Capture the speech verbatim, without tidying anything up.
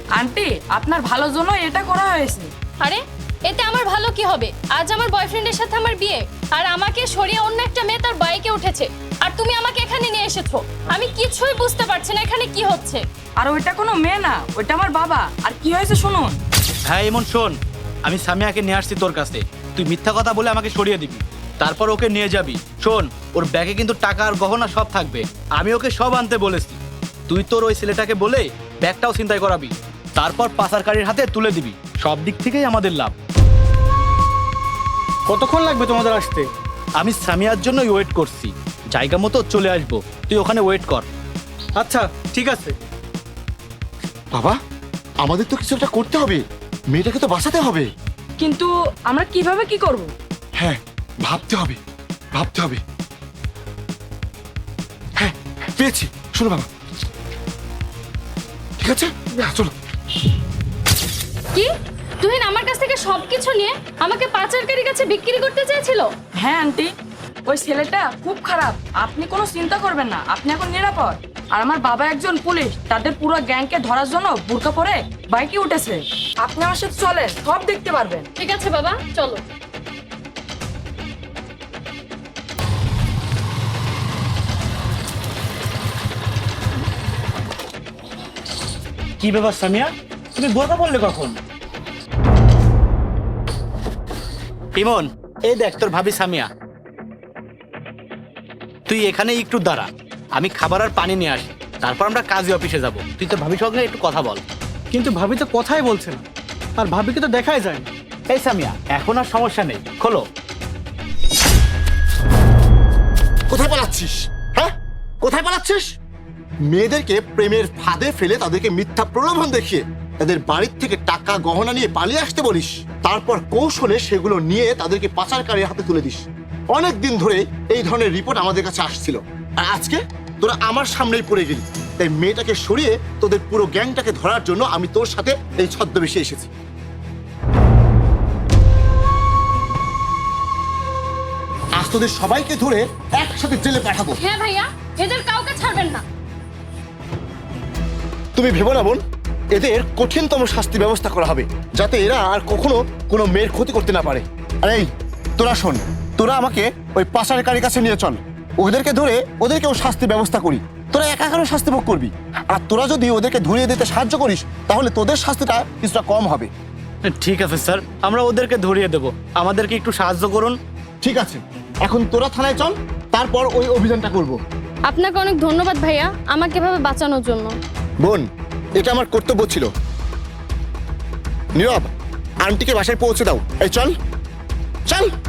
Aunty আপনার ভালোর জন্য এটা করা হয়েছে। আরে এতে আমার ভালো কি হবে? আজ আমার বয়ফ্রেন্ডের সাথে আমার বিয়ে, আর আমাকে সরিয়ে অন্য একটা মেয়ে তার বাইকে উঠেছে, আর তুমি আমাকে এখানে নিয়ে এসেছো। আমি কিছুই বুঝতে পারছি না এখানে কি হচ্ছে। আর ওইটা কোনো মেয়ে না, ওইটা আমার বাবা। আর কি হয়েছে শুনুন। হ্যাঁ এমন শোন, আমি সামিয়াকে নিয়ে আসছি তোর কাছে, তুই মিথ্যা কথা বলে আমাকে সরিয়ে দিবি, তারপর ওকে নিয়ে যাবি। শোন, ওর ব্যাগে কিন্তু টাকা আর গহনা সব থাকবে, আমি ওকে সব আনতে বলেছি। তুই তোর ওই ছেলেটাকে বলে ব্যাগটাও চিন্তাই করাবি, তারপর পাচারকারীর হাতে তুলে দিবি। সব দিক থেকেই আমাদের লাভ। কতক্ষণ লাগবে তোমাদের আসতে? আমি সামিয়ার জন্যই ওয়েট করছি, জায়গা মতো চলে আসবো, তুই ওখানে ওয়েট কর। আচ্ছা ঠিক আছে। বাবা, আমাদের তো কিছু একটা করতে হবে, মেয়েটাকে তো বাঁচাতে হবে। কিন্তু আমরা কিভাবে কি করব? হ্যাঁ, ভাবতে হবে ভাবতে হবে হ্যাঁ, পেয়েছি। শোনো বাবা, ঠিক আছে, হ্যাঁ, চলো। কি তুহিন আমার কাছ থেকে সবকিছু নিয়ে আমাকে পাচারকারীর কাছে বিক্রি করতে চেয়েছিল? হ্যাঁ আন্টি, ওই ছেলেটা খুব খারাপ। আপনি কোনো চিন্তা করবেন না, আপনি এখন নিরাপদ। আর আমার বাবা একজন পুলিশ, তাদের পুরো গ্যাংকে ধরার জন্য বুরকা পরে বাইকে উঠেছে। আপনি আমার সাথে চলেন, সব দেখতে পারবেন। ঠিক আছে বাবা, চলো। কি ব্যাপার সামিয়া, তুমি বোরকা পড়লে কখন? ইমন, এই দেখ তোর ভাবি সামিয়া। তুই এখানে একটু দাঁড়া, আমি খাবার আর পানি নিয়ে আসি, তারপর আমরা কাজী অফিসে যাব। তুই তোর ভাবির সঙ্গে একটু কথা বল। কিন্তু ভাবি তো কথাই বলছে না, আর ভাবিকে তো দেখাই যায় না। এই সামিয়া, এখন আর সমস্যা নেই, খোলো। কোথায় পালাচ্ছিস? হ্যাঁ, কোথায় পালাচ্ছিস? মেয়েদেরকে প্রেমের ফাঁদে ফেলে তাদেরকে মিথ্যা প্রলোভন দেখিয়ে তাদের বাড়ির থেকে টাকা গহনা নিয়ে পালিয়ে আসতে বলিস, তারপর কৌশলে সেগুলো নিয়ে তাদেরকে পাচারকারীর হাতে তুলে দিস। অনেক দিন ধরে এই ধরনের রিপোর্ট আমাদের কাছে আসছিল, আর আজকে তোরা আমার সামনেই পড়ে গেলি। তাই মেয়েটাকে সরিয়ে তোদের পুরো গ্যাংটাকে ধরার জন্য আমি তোর সাথে এই ছদ্মবেশে এসেছি। আজ তোদের সবাইকে ধরে একসাথে জেলে পাঠাবো। হ্যাঁ ভাইয়া, এদের কাউকে ছাড়বেন না। তুমি ভেবো না বোন, এদের কঠিনতম শাস্তি ব্যবস্থা করা হবে, যাতে এরা আর কখনো কোনো মেয়ের ক্ষতি করতে না পারে। আর এই তোরা শোন, তোরা আমাকে ওই পাচারকারীর কাছে নিয়ে চল, ওদেরকে ধরে ওদেরকেও শাস্তি ব্যবস্থা করি। তোরা একা কেন শাস্তি ভোগ করবি? আর তোরা যদি ওদেরকে ধরিয়ে দিতে সাহায্য করিস, তাহলে তোদের শাস্তিটা কিছুটা কম হবে। ঠিক আছে স্যার, আমরা ওদেরকে ধরিয়ে দেব, আমাদেরকে একটু সাহায্য করুন। ঠিক আছে, এখন তোরা থানায় চল, তারপর ওই অভিযানটা করব। আপনাকে অনেক ধন্যবাদ ভাইয়া, আমাকে এভাবে বাঁচানোর জন্য। বোন, এটা আমার কর্তব্য ছিল। নীরব, আন্টিকে বাসায় পৌঁছে দাও। এই চল চল।